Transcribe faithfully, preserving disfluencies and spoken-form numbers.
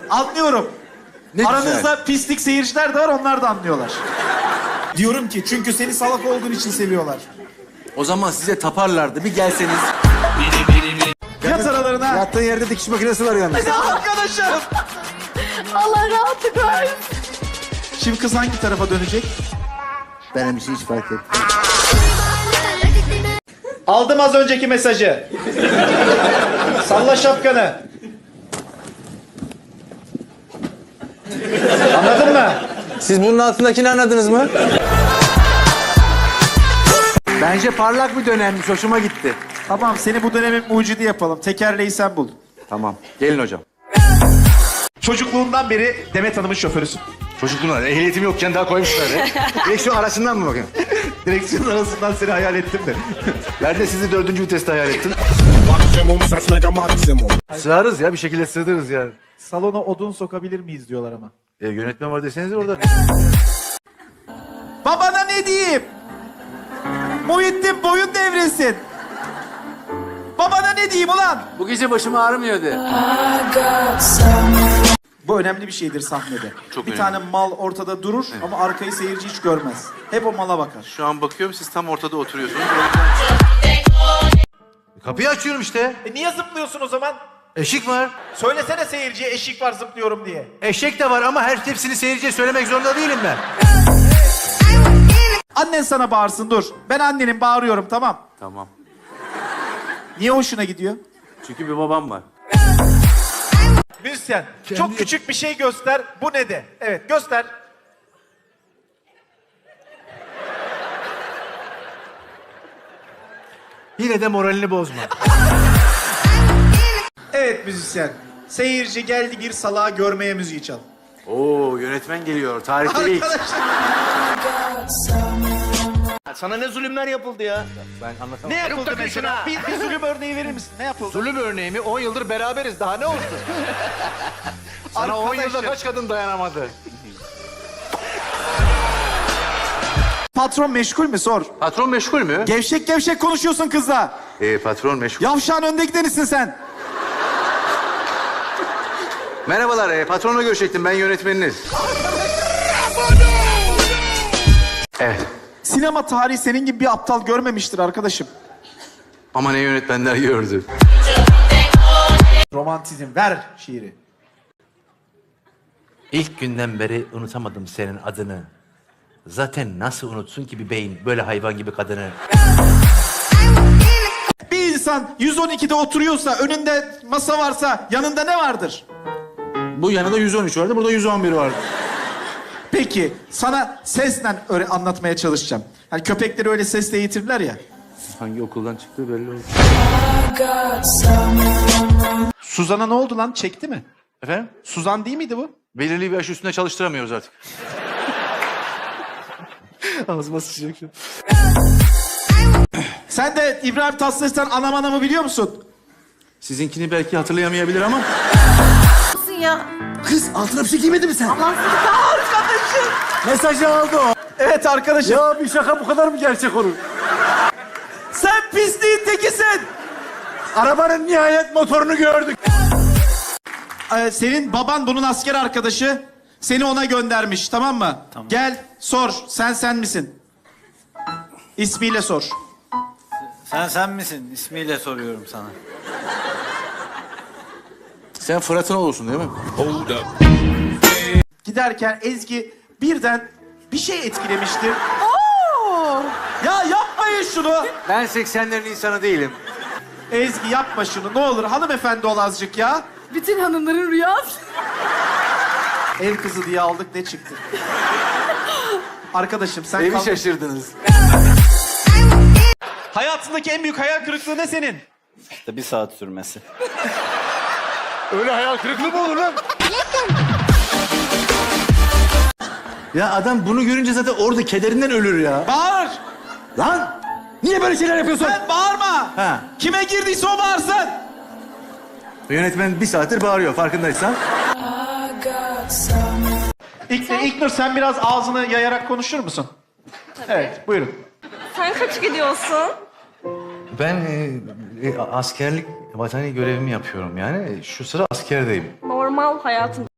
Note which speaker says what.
Speaker 1: Anlıyorum.
Speaker 2: Ne
Speaker 1: Aranızda
Speaker 2: güzel.
Speaker 1: pislik seyirciler de var, onlar da anlıyorlar. Diyorum ki çünkü seni salak olduğun için seviyorlar.
Speaker 2: O zaman size taparlardı. Bir gelseniz.
Speaker 1: Yat aralarına.
Speaker 2: Yattığın yerde dikiş makinesi var yalnız.
Speaker 1: Hadi arkadaşım.
Speaker 3: Allah rahatlık versin.
Speaker 1: Şimdi kız hangi tarafa dönecek?
Speaker 2: Benim bir şey hiç fark etmiyor.
Speaker 1: Aldım az önceki mesajı. Salla şapkanı. Anladın mı?
Speaker 2: Siz bunun altındakini anladınız mı? Bence parlak bir dönemmiş. Hoşuma gitti.
Speaker 1: Tamam, seni bu dönemin mucidi yapalım. Tekerleği sen bul.
Speaker 2: Tamam. Gelin hocam.
Speaker 1: Çocukluğundan beri Demet Hanım'ın şoförüsün.
Speaker 2: Çocukluğuna ehliyetim yokken daha koymuşlar ya. Direksiyon arasından mı bakın?
Speaker 1: Direksiyon arasından seni hayal ettim de.
Speaker 2: Ben de sizi dördüncü viteste hayal ettim.
Speaker 4: Maksimum saçmaca maksimum.
Speaker 2: Sığarız ya. Bir şekilde sığdırırız ya.
Speaker 1: Salona odun sokabilir miyiz diyorlar ama.
Speaker 2: E, yönetmen var deseniz orada.
Speaker 1: Babana ne diyeyim? Muhittin boyun devresin. Babana ne diyeyim ulan?
Speaker 2: Bu gece başım ağrımıyor de.
Speaker 1: Bu önemli bir şeydir sahnede.
Speaker 5: Çok
Speaker 1: bir
Speaker 5: önemli.
Speaker 1: tane mal ortada durur ama arkayı seyirci hiç görmez. Hep o mala bakar.
Speaker 5: Şu an bakıyorum siz tam ortada oturuyorsunuz.
Speaker 2: Kapıyı açıyorum işte.
Speaker 1: E niye zıplıyorsun o zaman?
Speaker 2: Eşik var.
Speaker 1: Söylesene seyirciye eşik var zıplıyorum diye.
Speaker 2: Eşek de var ama her hepsini seyirciye söylemek zorunda değilim ben.
Speaker 1: Annen sana bağırsın dur. Ben annenin bağırıyorum tamam.
Speaker 5: Tamam.
Speaker 1: Niye hoşuna gidiyor?
Speaker 5: Çünkü bir babam var.
Speaker 1: Müzisyen çok küçük bir şey göster. Bu ne de? Evet göster.
Speaker 2: Yine de moralini bozma.
Speaker 1: Evet müzisyen. Seyirci geldi bir salağı görmeye müziği çal.
Speaker 5: Oo yönetmen geliyor. Tarihte ilk.
Speaker 1: Arkadaşlar.
Speaker 6: Sana ne zulümler yapıldı ya?
Speaker 2: Ben anlatamam.
Speaker 1: Ne yapıldı mesela? Bir, bir zulüm örneği verir misin? Ne yapıldı?
Speaker 6: Zulüm örneği mi? on yıldır beraberiz. Daha ne olsun?
Speaker 2: Sana on yılda
Speaker 1: Arkadaşım.
Speaker 2: kaç kadın dayanamadı?
Speaker 1: Patron meşgul mü sor.
Speaker 2: Patron meşgul mü?
Speaker 1: Gevşek gevşek konuşuyorsun kızla.
Speaker 2: Ee, patron meşgul.
Speaker 1: Yavşağın önde gidenisin sen.
Speaker 2: Merhabalar, e, patronla görüşecektim. Ben yönetmeniniz. Evet.
Speaker 1: Sinema tarihi senin gibi bir aptal görmemiştir arkadaşım.
Speaker 2: Ama ne yönetmenler gördü.
Speaker 1: Romantizm ver şiiri.
Speaker 7: İlk günden beri unutamadım senin adını. Zaten nasıl unutsun ki bir beyin böyle hayvan gibi kadını?
Speaker 1: Bir insan yüz on ikide oturuyorsa, önünde masa varsa yanında ne vardır?
Speaker 2: Bu yanında yüz on üç vardı, burada yüz on bir vardı.
Speaker 1: Peki sana sesle öyle anlatmaya çalışacağım. Hani köpekleri öyle sesle eğitirler ya.
Speaker 2: Hangi okuldan çıktığı belli oldu.
Speaker 1: Suzan'a ne oldu lan? Çekti mi?
Speaker 2: Efendim?
Speaker 1: Suzan değil miydi bu?
Speaker 2: Belirli bir yaş üstünde çalıştıramıyoruz artık.
Speaker 1: Ağzıma sıçacak şu. Sen de İbrahim Tatlıses'ten Anam Anam'ı biliyor musun?
Speaker 2: Sizinkini belki hatırlayamayabilir ama.
Speaker 3: Ya.
Speaker 2: Kız altına bir şey giymedi mi sen?
Speaker 3: Allah sizi arkadaşım.
Speaker 2: Mesajı aldı o.
Speaker 1: Evet arkadaşım.
Speaker 2: Ya bir şaka bu kadar mı gerçek olur?
Speaker 1: Sen pisliğin tekisin.
Speaker 2: Arabanın nihayet motorunu gördük.
Speaker 1: Ee, senin baban bunun asker arkadaşı. Seni ona göndermiş tamam mı? Tamam. Gel sor. Sen sen misin? İsmiyle sor.
Speaker 8: Sen sen misin? İsmiyle soruyorum sana.
Speaker 2: Sen Fırat'ın olursun değil mi?
Speaker 4: Hold up.
Speaker 1: Giderken Ezgi birden bir şey etkilemiştir.
Speaker 3: Oo.
Speaker 1: Ya yapmayın şunu.
Speaker 2: Ben seksenlerin insanı değilim.
Speaker 1: Ezgi yapma şunu ne olur. Hanımefendi ol azıcık ya.
Speaker 3: Bütün hanımların rüyası.
Speaker 1: Ev kızı diye aldık ne çıktı? Arkadaşım sen
Speaker 2: Evi
Speaker 1: kal-
Speaker 2: şaşırdınız.
Speaker 1: Hayatındaki en büyük hayal kırıklığı ne senin?
Speaker 8: İşte bir saat sürmesi.
Speaker 2: Öyle hayal kırıklığı mı olur lan? Ya adam bunu görünce zaten orada kederinden ölür ya.
Speaker 1: Bağır.
Speaker 2: Lan! Niye böyle şeyler yapıyorsun?
Speaker 1: Sen bağırma.
Speaker 2: Ha.
Speaker 1: Kime girdiyse o bağırsın.
Speaker 2: Yönetmen bir saattir bağırıyor farkındaysan.
Speaker 1: İlk, İlknur sen biraz ağzını yayarak konuşur musun? Evet buyurun.
Speaker 9: Sen kaç gidiyorsun?
Speaker 7: Ben e, e, askerlik vatani görevimi yapıyorum yani. Şu sıra askerdeyim.
Speaker 9: Normal hayatın